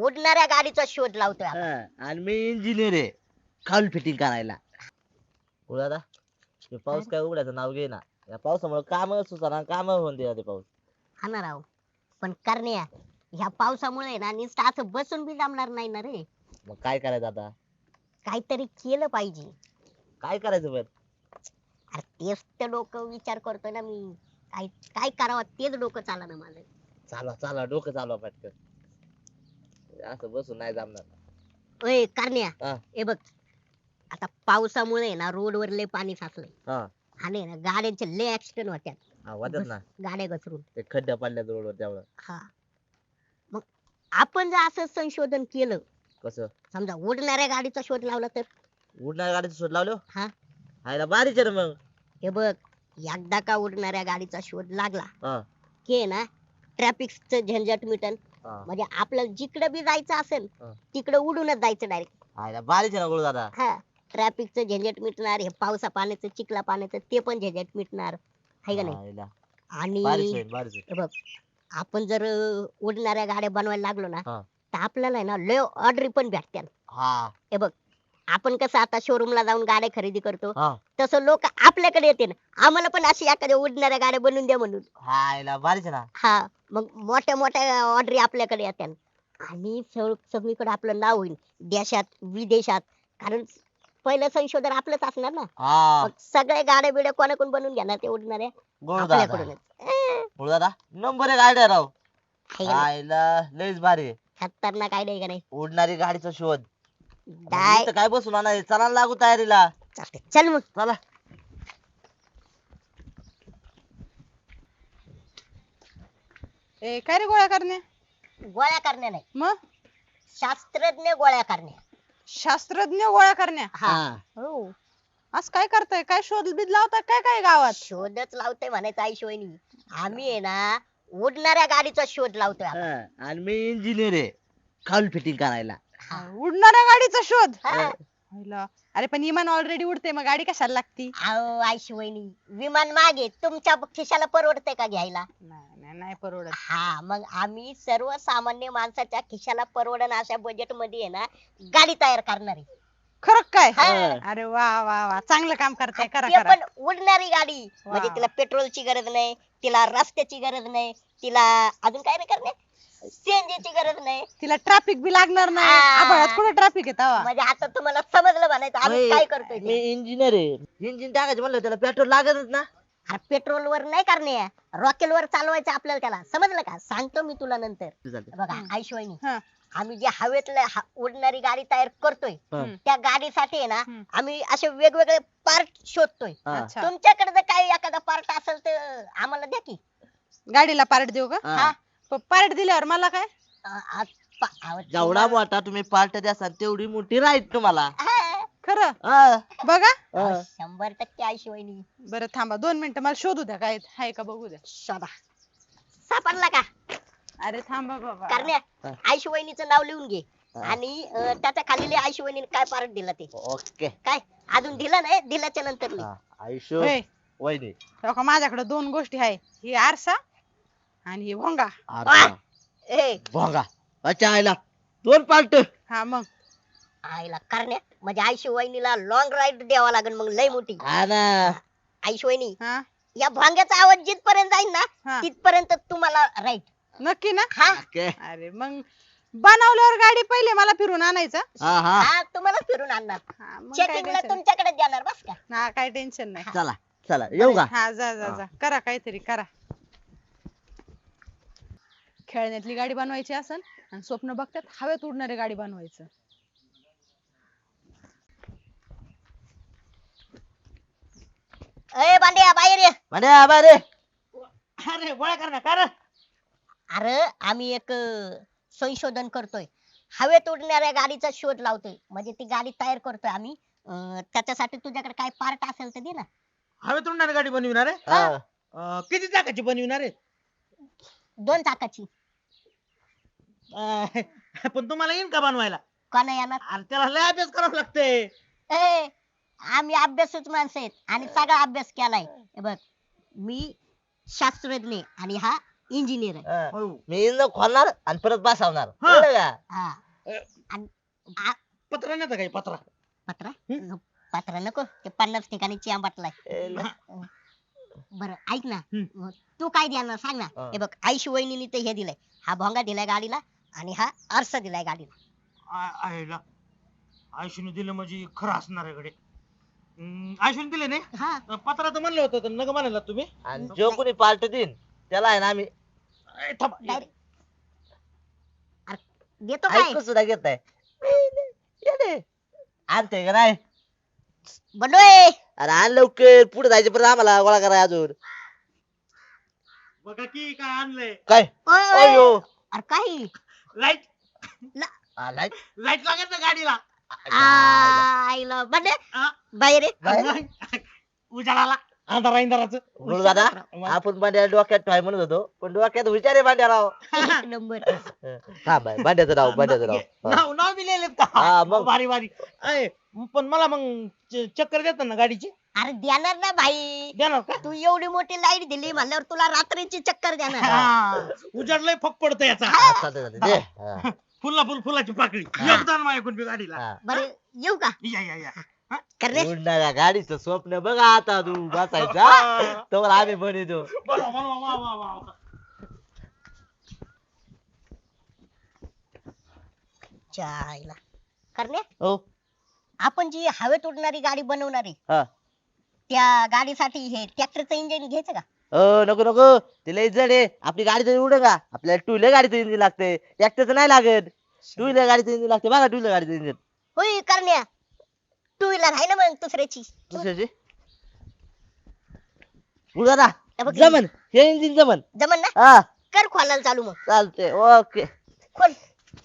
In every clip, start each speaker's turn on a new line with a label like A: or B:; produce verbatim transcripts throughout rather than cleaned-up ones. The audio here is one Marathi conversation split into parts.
A: उडणाऱ्या गाडीचा शोध लावतोय आपण.
B: हा, आणि मी इंजिनियर आहे खाऊन फिटिंग करायला. दादा ते पाऊस काय उघडायचं नाव घे ना. या पावसामुळे काम सुचना, काम होऊन दे ते पाऊस.
A: हा ना राव, पण करण्या ह्या पावसामुळे ना नुसतं असं बसून बी जमणार नाही ना रे.
B: मग काय करायचं आता?
A: काहीतरी केलं पाहिजे.
B: काय करायचं बर?
A: अरे तेच तर डोकं विचार करतोय ना मी. काय काय करावं तेच डोकं चाला ना माझं.
B: चालवा चालवा डोकं चालवा पटकन. असं बसून नाही जमणार.
A: ओय करण्या,
B: हा
A: हे बघ आता पावसामुळे ना रोडवर लय पाणी साचलंय
B: हा
A: आणि ना गाड्यांचे लय ऍक्सिडेंट होत्यात.
B: हा वाटत ना.
A: गाड्या घसरून.
B: ते खड्ड्या पडल्या रोडवर त्यामुळे.
A: हा, मग आपण जर असं संशोधन केलं,
B: कसं?
A: समजा उडणाऱ्या गाडीचा शोध लावला तर.
B: उडणाऱ्या गाडीचा शोध लावलो.
A: हा,
B: हायला भारीच आहे रे मग.
A: हे बघ एकदा का उडणाऱ्या गाडीचा शोध लागला
B: हा
A: की ना ट्रॅफिकचं झंझट मिटन.
B: हा
A: म्हणजे आपल्याला जिकडे बी जायचं असेल
B: हा.
A: तिकडे उडूनच जायचं डायरेक्ट.
B: हायला भारीच आहे ना गुरु दादा.
A: हा, ट्रॅफिकचं झंझट मिटणार, हे पावसा पाण्याचं चिखला पाण्याचं ते पण झंझट मिटणार, हाय का नाही.
B: हायला
A: आणि
B: भारीच आहे भारीच आहे.
A: हे बघ आपण जर अं, उडणाऱ्या गाड्या बनवायला लागलो ना,
B: हा
A: तर आपल्याला आहे ना लय ऑर्डरी पण भेटत्याल.
B: हा
A: हे बघ आपण कसं आता शोरूमला जाऊन गाड्या खरेदी करतो,
B: हा
A: तसं लोक आपल्याकडे येते ना, आम्हाला पण अशी एखाद्या उडणाऱ्या गाड्या बनवून द्या म्हणून.
B: हायला भारीच आहे ना.
A: हा, मग मोठ्या मोठ्या ऑर्डरी आपल्याकडे येत्याल आणि सग- सगळीकडे आपलं नाव होईल देशात विदेशात. कारण पहिलं संशोधन आपलंच असणार ना.
B: हा
A: मग सगळ्या गाड्या बिड्या कोणाकडून बनवून घेणार ते उडणाऱ्या?
B: गुरु दादा.
A: आपल्याकडूनच. अं,
B: गुरु दादा नंबर एक आयडिया राव.
A: हाय का नाही?
B: हायला लयच भारी आहे.
A: खतरनाक आयडिया का नाही?
B: उडणारी गाडीचा शोध. मग
A: डाय
B: इथं काय बसून नाही चला लागू तयारीला.
A: चालतंय. चल मग.
B: चला.
C: ए काय रे गोळ्या करण्या?
A: गोळ्या करण्या नाही,
C: मग
A: शास्त्रज्ञ गोळ्या करण्या.
C: शास्त्रज्ञ गोळ्या करण्या?
A: हा,
C: हो. आज काय करताय? काय शोध बीध लावताय काय काय गावात?
A: शोधच लावतोय म्हणायचं आईशिवायनी. आम्ही आहे ना उडणाऱ्या गाडीचा शोध लावतोय आपण.
B: हा, आणि मी इंजिनियर आहे खाऊन फिटिंग करायला.
A: हा.
C: उडणाऱ्या गाडीचा शोध?
A: हा.
C: हायला. अरे पण विमान ऑलरेडी उडते, मग गाडी कशाला लागती?
A: अहो आईशिवायनी, विमान मागे तुमच्या खिशाला परवडतंय का घ्यायला?
C: नाही नाही नाही परवडत.
A: हा, मग आम्ही सर्वसामान्य माणसाच्या खिशाला परवडन अशा बजेट मध्ये आहे ना गाडी तयार करणार आहे.
C: खरं काय?
A: हा.
C: अरे वा वा वा, चांगलं काम करताय, करा
A: ते
C: करा.
A: पण उडणारी गाडी. म्हणजे
C: वा.
A: तिला पेट्रोलची गरज नाही, तिला रस्त्याची गरज नाही, तिला अजून काय नाही करणे, सीएनजीची गरज नाही.
C: तिला ट्रॅफिक बी लागणार नाही.
A: हा.
C: आभाळात कुठे ट्रॅफिक आहे तवा?
A: म्हणजे आता तुम्हाला समजलं म्हणायचं आम्ही
B: होय,
A: काय करतोय
B: मी
A: ते.
B: इंजिनियर आहे. इंजिन टाकायचं म्हणलं त्याला पेट्रोल लागतच ना.
A: अरे पेट्रोल वर नाही करणे, रॉकेल वर चालवायचं आपल्याला. त्याला समजलं का? सांगतो मी तुला नंतर.
B: चालतंय.
A: बघा
C: हम्म.
A: आईशिवायनी,
C: हा.
A: आम्ही जे हवेतलं ह- उडणारी गाडी तयार करतोय,
B: हा.
A: त्या गाडीसाठी आहे ना
C: हम्म.
A: आम्ही असे वेगवेगळे पार्ट शोधतोय.
B: हा.
C: अच्छा.
A: तुमच्याकडे जर काही एखादा पार्ट असेल तर आम्हाला द्या की.
C: गाडीला पार्ट देऊ का?
B: हा.
C: पार्ट दिल्यावर मला काय?
A: अ, आ- पा- अहो,
B: जेवढा
A: तुम्हाला-
B: मोठा तुम्ही पार्ट द्याल तेवढी मोठी राहील तुम्हाला.
A: हा,
C: खरं?
B: हा.
C: बघा.
B: हा.
A: अहो, शंभर टक्के आईशिवायनी.
C: बरं थांबा दोन मिनिटं, मला शोधू द्या काय हाय का बघू द्या.
A: शोधा. सापडला का?
C: अरे थांबा बाबा.
A: करण्या,
B: हा.
A: आईशिवायनीचं नाव लिहून घे.
B: हा.
A: आणि अ, त्याच्या खाली आईशिवायनीने काय पार्ट दिला ते.
B: ओके.
A: काय अजून दिलं नाही? दिल्याच्या नंतर लिह.
B: हा. आयुष्य
C: होय.
B: वहिनी.
C: हो का, माझ्याकडे दोन गोष्टी आहे, ही आरसा आणि ही भोंगा.
B: आरसा.
A: ए
B: भोंगा. अच्छा आयला दोन पार्ट.
C: हा मग
A: आईला करण्या, म्हणजे आईशिवायनीला लॉंग राईड द्यावा लागेल मग लय मोठी.
B: हा ना.
A: आईशिवायनी,
C: हा
A: या भांग्याचा आवाज जिथपर्यंत जाईल ना
C: हा
A: तिथपर्यंत तुम्हाला राईट.
C: नक्की ना?
A: हा
B: ओके.
C: अरे मग बनवल्यावर गाडी पहिले मला फिरून आणायचं.
B: हा हा.
A: हा, तुम्हाला फिरून आणणार.
C: हा, मग काय
A: चेकिंगला
C: टेन्शन
A: तुमच्याकडे देणार बस का.
C: हा काय टेन्शन नाही.
B: चला चला येऊ का?
C: हा जा जा जा, करा काहीतरी करा. खेळण्यातली गाडी बनवायची असन आणि स्वप्न बघतात हवेत उडणारी गाडी बनवायचं.
A: ए बांड्या बाहेर ये.
B: म्हणजे आबा रे. अरे गोळ्या कर ना कर.
A: अरे आम्ही एक अ, संशोधन करतोय, हवेत उडणाऱ्या गाडीचा शोध लावतोय. म्हणजे ती गाडी तयार करतोय आम्ही. अ, त्याच्यासाठी तुझ्याकडे काय पार्ट असेल तर दे ना.
D: हवेत उडणारी गाडी बनविणार आहे.
B: हा.
D: अं, किती चाकाची बनविणार आहे?
A: दोन चाकाची.
D: अं, पण तुम्हाला येईन का बनवायला?
A: कोणा येणार?
D: अरे त्याला लय अभ्यास करावा लागतंय.
A: ए आम्ही अभ्यासूच माणसं आहेत आणि सगळा अभ्यास केलाय. हे बघ, मी शास्त्रज्ञ आहे आणि हा इंजिनियर आहे.
B: हा.
D: हो.
B: मी इंजिन खोलणार आणि परत बसवणार
D: हा.
B: कळलं का?
A: हा आणि आ-
D: पत्रा नाही काही पत्रा
A: पत्रा
D: हम्म.
A: पत्रा नको ते पन्नास ठिकाणी चिया बाटलाय.
B: ए, ल-
A: बरं ऐक ना
D: हम्म.
A: मग तू काय देणार सांग ना.
B: हा.
A: हे बघ आईशी वहिनीने तर हे दिलंय, हा भोंगा दिलाय गाडीला आणि हा आरसा दिलाय गाडीला.
D: आ- आईला आयुष्यने दिलं म्हणजे खरं असणार आहे कडे आयुष्यने दिले नाही
A: हा
D: पत्रा तर म्हणलं होतं तर नग म्हणाला तुम्ही
B: आणि जो कोणी पार्ट देईन त्याला आहे ना आम्ही
D: ए, थांबा.
A: डायरेक्ट देतो काय
B: ऐकून सुद्धा घेत नाही येडे. आणते का नाही
A: बनोय.
B: अरे आण लवकर पुढे जायचे परत आम्हाला गोळा करा अजून
D: बघा की काय आणलंय
B: काय
A: ओय, ओय.
B: अयो
A: अरे काही
D: लाईट
B: आलाय
D: लाईट लागत ना गाडीला
A: आईला बने
D: हा?
A: बाहेर ये.
B: बाहेर?
D: उजाडाला अंधारा इंधाराचं
B: गुरु दादा आपण भांड्या डोक्यात ठेवाय म्हणत होतो पण डोक्यात विचार आहे भांड्या राव
A: एक नंबर.
B: हा बाय भांड्याचं राव भांड्याचं राव हा.
D: नाव नाव बी लिहिलेत
B: हा,
D: का
B: मग.
D: भारी भारी अय, पण मला मग च- चक्कर देतात ना गाडीची
A: अरे देणार ना भाई,
D: देणार का
A: तू एवढी मोठी लाईट दिली म्हणल्यावर तुला रात्रीची चक्कर देणार.
D: हा. उजाडलंय फक पडतं याचा
B: हा, चालतंय, चालतंय. दे. हा,
D: फुलला फुल फुलाची पाकळी योगदान माझ्याकडून बी गाडीला
B: हा.
A: बरं येऊ का
D: या या या हा?
A: करणे.
B: उडणाऱ्या गाडीचं स्वप्न बघा आता तू बसायचा तर आम्ही बनवतो
D: बनवा, बनवा, वा, वा, वा, वा.
A: चायला करणे,
B: हो
A: आपण जी हवेत उडणारी गाडी बनवणार आहे
B: हा
A: त्या गाडीसाठी हे ट्रॅक्टरचं इंजिन घ्यायचं का?
B: अ नको नको ते लय जड आहे आपली गाडी तरी उड का आपल्याला टू व्हीलर गाडीचं इंजिन लागते ट्रॅक्टरचं नाही लागत टू व्हीलर गाडीचं इंजिन लागते बघा टू व्हीलर गाडीचं इंजिन
A: होय करण्या, टू व्हीलर आहे ना मग दुसऱ्याची.
B: दुसऱ्याची उडा
A: हे बघ,
B: जमन हे इंजिन जमन
A: जमन ना,
B: हा
A: कर खोलायला चालू मग.
B: चालते ओके
A: खोल.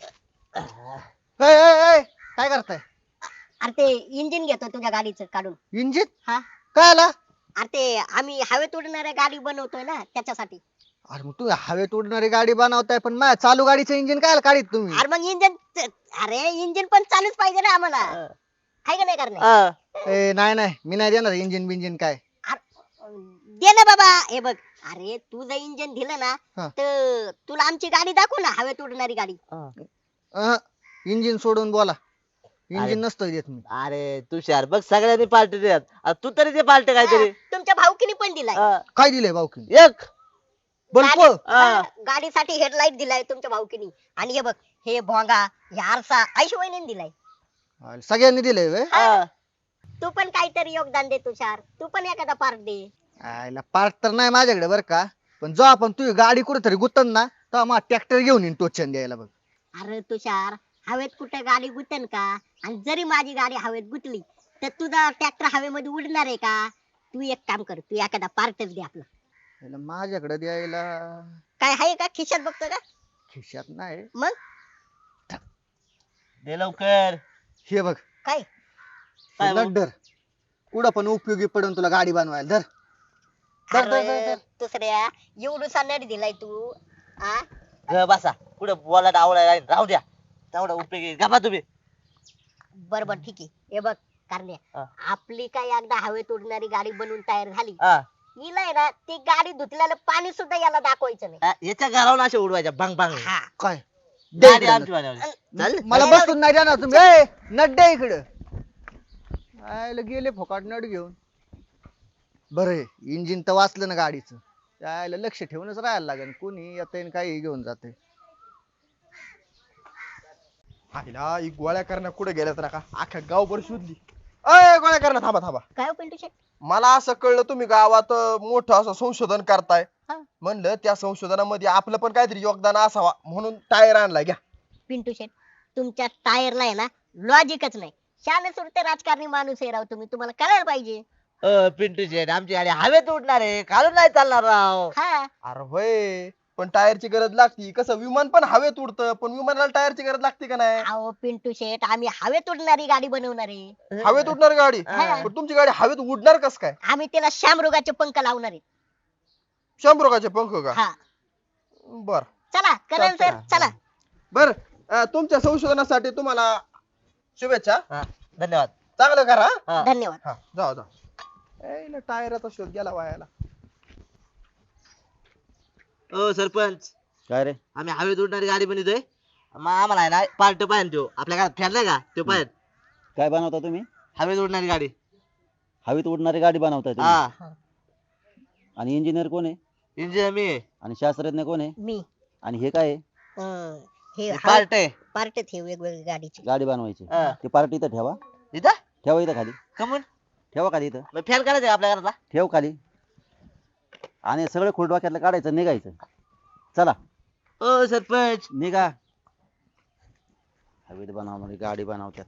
E: ए, ए, ए, काय करताय
A: अरे ते इंजिन घेतो तुझ्या गाडीचं काढून.
E: इंजिन
A: हा
E: काय आला
A: अरे ते आम्ही हवेत उडणाऱ्या गाडी बनवतोय ना त्याच्यासाठी.
E: अरे मग तुम्ही हवेत उडणारी गाडी बनवताय पण माझ्या चालू गाडीचं इंजिन काय काढीत तुम्ही
A: अरे मग इंजिन, अरे इंजिन पण चालूच पाहिजे ना आम्हाला, आहे का नाही करणे.
B: हा
E: ए नाही नाही मी नाही देणार इंजिन बिंजिन काय
A: दे ना बाबा. हे बघ, अरे तू जर इंजिन दिलं ना
E: हा.
A: तर तुला आमची गाडी दाखव ना, हवेत उडणारी गाडी.
E: इंजिन सोडून बोला
B: अरे.
E: इंजिन नसतं देत मी
B: अरे तुषार बघ सगळ्यांनी पार्टी देत आता तू तरी दे पार्टी काहीतरी
A: हा, तुमच्या भाऊकीने पण दिलाय.
B: हा.
E: काय दिलंय भाऊकी
B: एक
E: बल्ब
A: गाडी-
B: हा.
A: हा, गाडीसाठी हेडलाईट दिलाय तुमच्या भाऊकीने. आणि हे बघ, हे भोंगा, हे आरसा आईशिवायने दिलाय.
E: अरे, सगळ्यांनी दिलंय व्हय?
B: हा.
A: तू पण काहीतरी योगदान दे तुषार, तू पण एखादा पार्ट दे.
E: आयला पार्ट तर नाही माझ्याकडे बरं का पण जो आपण तुझी गाडी कुठेतरी गुतन ना तेव्हा मग ट्रॅक्टर घेऊन येईन टोचन द्यायला बघ
A: अरे तुषार, हवेत कुठे गाडी गुतन का? आणि जरी माझी गाडी हवेत गुतली तर तुझा ट्रॅक्टर हवेमध्ये उडणार आहे का? तू एक काम कर, तू एखादा पार्टच दे आपला.
E: आयला माझ्याकडे द्यायला
A: काय आहे का खिशात बघतो का?
E: खिशात नाही
A: मग
B: दे लवकर
E: हे बघ
A: काय?
B: काय बघ?
E: लड्डर कुठं पण उपयोगी पडून तुला गाडी बनवायला धर धर, धर, धर,
A: अरे
E: धर.
A: दुसऱ्या एवढूसा नट दिलाय तू. आ
B: ग बसा कुठं बोला आवडायला राहू द्या तेवढा उपयोगी गप्पा तुम्ही
A: बर बर ठीक आहे. हे बघ कारण्या,
B: हा.
A: आपली काय एकदा हवेत उडणारी गाडी बनवून तयार झाली,
B: हा.
A: हिला आहे ना ती गाडी धुतल्याला पाणी सुद्धा याला दाखवायचं नाही.
B: हा, याच्या घरावर अशा उडवायच्या बांग बांग
A: हा
E: काय दे
B: गाडी
E: इकडं
B: आमची बनवली. चल
E: नट. मला बसून नाही देणार तुम्ही ए नट द्या इकडं आयला गेले फोकाट नट घेऊन बरं इंजिन तर वाचलं ना गाडीचं त्याला लक्ष ठेवूनच राहायला लागेल कोणी येते काही घेऊन जाते
F: आईला ही गोळ्या करणं कुठे गेल्यात ना का अख्ख्या गावभर शोधली अय गोळ्या करणं थांबा थांबा
A: काय हो पिंटू शेट?
F: मला असं कळलं तुम्ही गावात अं, मोठं असं संशोधन करताय
A: हा.
F: म्हणलं त्या संशोधनामध्ये आपलं पण काहीतरी योगदान असावा म्हणून टायर आणला घ्या
A: पिंटू शेट, तुमच्या टायरला आहे ना लॉजिकच नाही. शाने सुरते राजकारणी माणूस आहे राव तुम्ही, तुम्हाला कळायला पाहिजे.
B: अ, पिंटू शेट आमची गाडी हवेत उडणार आहे काढून नाही चालणार राव
A: हा
F: अरे होय पण टायरची गरज लागती कसं विमान पण हवेत उडतं पण विमानाला टायरची गरज लागते का नाही
A: अहो पिंटू शेट, आम्ही हवेत उडणारी गाडी बनवणार आहे.
F: हवेत उडणार गाडी
B: हा.
F: पण तुमची गाडी हवेत उडणार कस काय
A: आम्ही त्याला शामरुगाचे पंख लावणार आहे.
F: शंभरुगाचे पंख का
A: हा
F: बर
A: चला करण सर चला.
F: बर अं, तुमच्या संशोधनासाठी तुम्हाला शुभेच्छा
B: हा, धन्यवाद
F: चांगलं करा
B: हा.
A: धन्यवाद.
F: हा जाऊ जाऊ टायराचा शोध गेला वायाला
B: ओ सरपंच
G: काय रे
B: आम्ही हवेत उडणारी गाडी बनवतोय मग आम्हाला आहे ना पार्ट पाहिजे तो आपल्या घरात फॅन नाही का तो पाहिजे
G: काय बनवता तुम्ही
B: हवेत उडणारी गाडी
G: हवेत उडणारी गाडी बनवताय तुम्ही
B: हा
G: आणि इंजिनियर कोण आहे
B: इंजिनियर मी आहे.
G: आणि शास्त्रज्ञ कोण आहे
A: मी
G: आणि हे काय आहे
A: अं, हे
B: पार्ट आहे
A: पार्ट हे वेगवेगळ्या गाडीचे
G: गाडी बनवायची
B: हा.
G: ती पार्टी इथं ठेवा
B: इथं
G: ठेवा इथं खाली
B: कमून
G: ठेवा खाली इथं
B: मग फॅन करायचं का आपल्या घरातला
G: ठेव खाली आणि सगळं खुडवाक्यातलं काढायचं निघायचं चला
B: ओ सरपंच
G: निघा हवेत बनवणारी गाडी बनवतात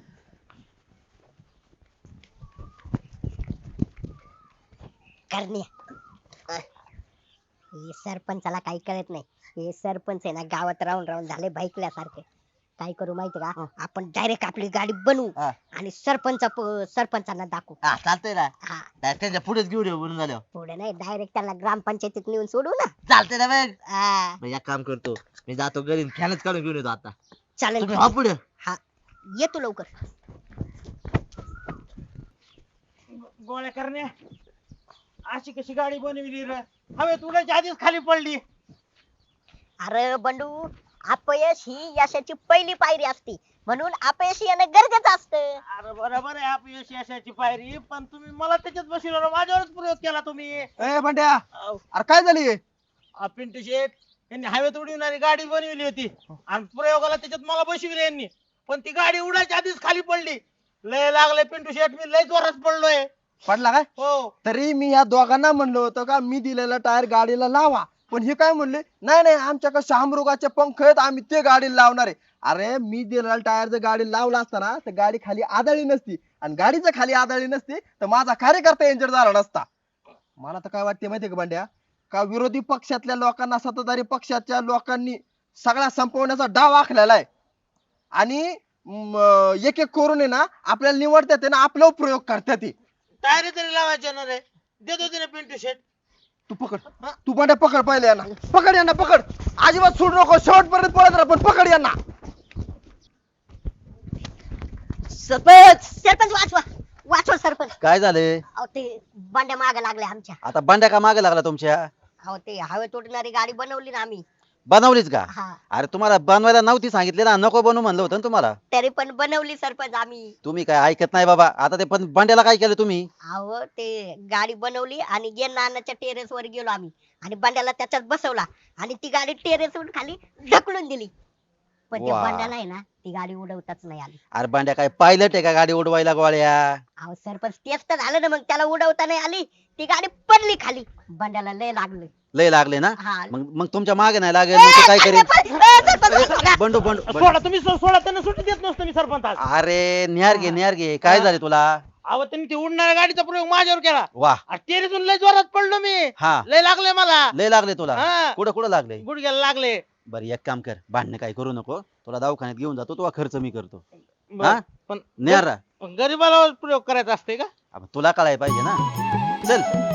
A: करण्या हे सरपंचाला काही कळत नाही हे सरपंच आहे ना गावात राहून राहून झाले बाईकल्यासारखे काय करू माहिती का आपण डायरेक्ट आपली गाडी बनवू
B: हा.
A: आणि सरपंच सरपंचांना दाखवू
B: हा चालतंय ना
A: हा
B: Direct त्यांच्या पुढेच घेऊन येऊ बनून झाल्यावर
A: पुढे नाही डायरेक्ट त्याला ग्रामपंचायतीत नेऊन सोडू ना
B: चालतंय ना मग
A: हा,
B: मग एक काम करतो मी जातो घरी फॅनच काढून घेऊन येतो आता
A: चालेल
B: तुम्ही हा पुढे
A: हा ये तू लवकर
D: गोळ्या करण्या अशी कशी गाडी बनवली रे हवेत उडायच्या आधीच खाली पडली
A: अरे बंडू अपयश ही यशाची पहिली पायरी असते म्हणून अपयश येणं गरजेचं असतं
D: अरे बरोबर आहे अपयश यशाची पायरी पण तुम्ही मला त्याच्यात बसवलं माझ्यावरच प्रयोग केला तुम्ही
F: ए बंड्या अरे काय झाली
D: अ, पिंटू शेठ यांनी हवेत उडविणारी गाडी बनवली होती आणि प्रयोगाला त्याच्यात मला बसविले यांनी पण ती गाडी उडायच्या आधीच खाली पडली लय लागले पिंटू शेठ मी लय जोरात पडलोय
F: पडला काय
D: हो
F: तरी मी या दोघांना म्हणलो होतो का मी दिलेला टायर गाडीला लावा पण हे काय म्हणले नाही नाही आमच्याकडे शामरुगाचे पंख आहेत आम्ही ते गाडीला लावणार आहे अरे मी दिलेला टायर जर गाडी लावला असता ना तर गाडी खाली आदळली नसती आणि गाडी जर खाली आदळली नसती तर माझा कार्यकर्ता इंजर झाला नसता मला तर काय वाटते माहितीये का बंड्या का विरोधी पक्षातल्या लोकांना सत्ताधारी पक्षाच्या लोकांनी सगळा संपवण्याचा डाव आखलेला आहे आणि म, एक एक करून आहे ना आपल्याला निवडतात आहे ना आपला प्रयोग करतात ते.
D: टायरी तरी लावायचे ना रे देत होते ना पिंटू शेठ
F: तू पकड तू बंड्या पकड पहिले यांना पकड यांना पकड अजिबात सोडू नको शेवटपर्यंत पळत राहा पण पकड यांना
A: सरपंच सरपंच वाचवा वाचवा सरपंच
G: काय झाले
A: अहो ते बांड्या मागे लागले आमच्या
G: आता बंड्या का मागे लागला तुमच्या
A: अहो ते हवेत उडणारी गाडी बनवली ना आम्ही
G: बनवलीच का
A: हा
G: अरे तुम्हाला बनवायला नव्हती सांगितली ना नको बनवू म्हणलं होतं ना तुम्हाला
A: तरी पण बनवली सरपंच आम्ही
G: तुम्ही काय ऐकत नाही बाबा आता ते पण बंड्याला काय केलं तुम्ही
A: अहो ते गाडी बनवली आणि गे नानाच्या टेरेस वर गेलो आम्ही आणि बंड्याला त्याच्यात बसवला आणि ती गाडी टेरेस वरून खाली ढकलून दिली पण ते
G: वा.
A: बंड्याला आहे ना ती गाडी उडवताच नाही आली
G: अरे बंड्या काय पायलट आहे का गाडी उडवायला गोळ्या
A: अहो सरपंच तेच तर झालं ना मग त्याला उडवता नाही आली ती गाडी पडली खाली बंड्याला लय लागलं
G: लय लागले ना
A: हा
G: मग मग तुमच्या मागे नाही लागेल मग ते काय करेल
A: ए, सरपंच, सरपंच,
G: बंडू बंडू बंडू.
D: सोडा तुम्ही सो- सोडा त्यांना सुट्टी देत नसतो मी सरपंच आज.
G: अरे निहार घे निहार घे काय झाले तुला
D: अहो त्यांनी ते उडणाऱ्या गाडीचा प्रयोग माझ्यावर केला
G: वा
D: टेरेसून लय जोरात पडलो मी
G: हा
D: लय लागले मला
G: लय लागले तुला
D: हा.
G: कुठं कुठं लागले
D: गुडघ्याला लागले
G: बरं एक काम कर भांडणं काय करू नको तुला दवाखान्यात घेऊन जातो तुला खर्च मी करतो
D: बर.
G: हा
D: पण
G: निहार राहा.
D: पण गरीबाला प्रयोग करायचा असते का
G: अब तुला कळायला पाहिजे ना चल